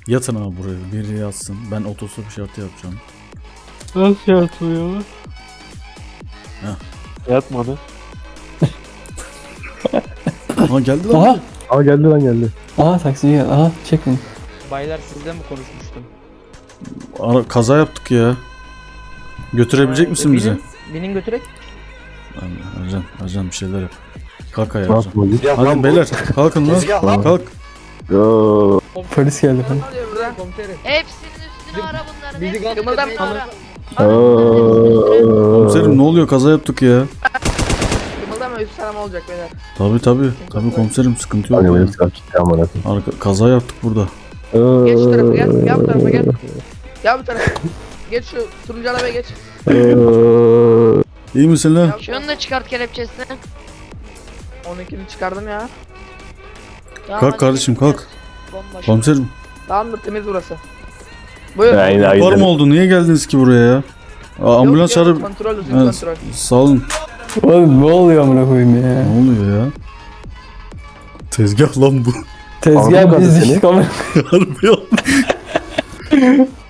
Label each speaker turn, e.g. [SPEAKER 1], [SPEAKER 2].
[SPEAKER 1] Yatın abi buraya. Biri yatsın. Ben otostop işareti yapacağım.
[SPEAKER 2] Nasıl yatmıyor?
[SPEAKER 3] Yatmadı.
[SPEAKER 1] Aha geldi lan.
[SPEAKER 2] Aha.
[SPEAKER 3] Aa geldi lan geldi.
[SPEAKER 2] Aha taksici geldi. Aha çek beni.
[SPEAKER 4] Baylar sizle mi konuşmuştum?
[SPEAKER 1] Kaza yaptık ya. Götürebilecek misin bizi?
[SPEAKER 4] Binin götürek.
[SPEAKER 1] Ercan bir şeyler yap. Kalk ayağa
[SPEAKER 3] Ne
[SPEAKER 1] Ercan.
[SPEAKER 3] yapmadı?
[SPEAKER 1] Hadi beyler kalkın lan. Kalk.
[SPEAKER 2] Polis geldi falan.
[SPEAKER 4] Komiserim.
[SPEAKER 5] Hepsinin üstüne ara bunların.
[SPEAKER 4] bizi
[SPEAKER 5] Hepsinin
[SPEAKER 4] kımıldam-
[SPEAKER 5] üstüne ara.
[SPEAKER 1] Komiserim ne oluyor? Kaza yaptık ya.
[SPEAKER 4] Kımıldama üst selam olacak beyler.
[SPEAKER 1] Tabii komiserim sıkıntı yok.
[SPEAKER 3] Hani
[SPEAKER 1] ya.
[SPEAKER 3] benim sıkar gitti aman akım.
[SPEAKER 1] Kaza yaptık burada.
[SPEAKER 4] Geç şu tarafa gel. Gel bu tarafa gel. Gel bu tarafa. Geç şu turuncu arabaya geç.
[SPEAKER 1] İyi misin lan?
[SPEAKER 5] Şunu da çıkart kelepçesini.
[SPEAKER 4] 12'ni çıkardım ya.
[SPEAKER 5] Tamam,
[SPEAKER 1] Kalk
[SPEAKER 5] hadi
[SPEAKER 1] kardeşim
[SPEAKER 5] gidelim.
[SPEAKER 1] kalk.
[SPEAKER 5] Bomboş.
[SPEAKER 1] Komiserim.
[SPEAKER 4] Tamamdır temiz burası. Buyur.
[SPEAKER 3] Aynen
[SPEAKER 1] Var mı oldu? Niye geldiniz ki buraya ya? Ambulans
[SPEAKER 4] Yok,
[SPEAKER 1] çağırıp...
[SPEAKER 4] Kontrol düzgün
[SPEAKER 1] Evet,
[SPEAKER 4] kontrol.
[SPEAKER 1] sağ olun.
[SPEAKER 2] Oğlum ne oluyor amına koyayım ya?
[SPEAKER 1] Ne oluyor ya? Tezgah lan bu.
[SPEAKER 2] Tezgah
[SPEAKER 3] Aldım
[SPEAKER 2] biz
[SPEAKER 3] seni.
[SPEAKER 2] düştük ama.
[SPEAKER 1] Harbi ya.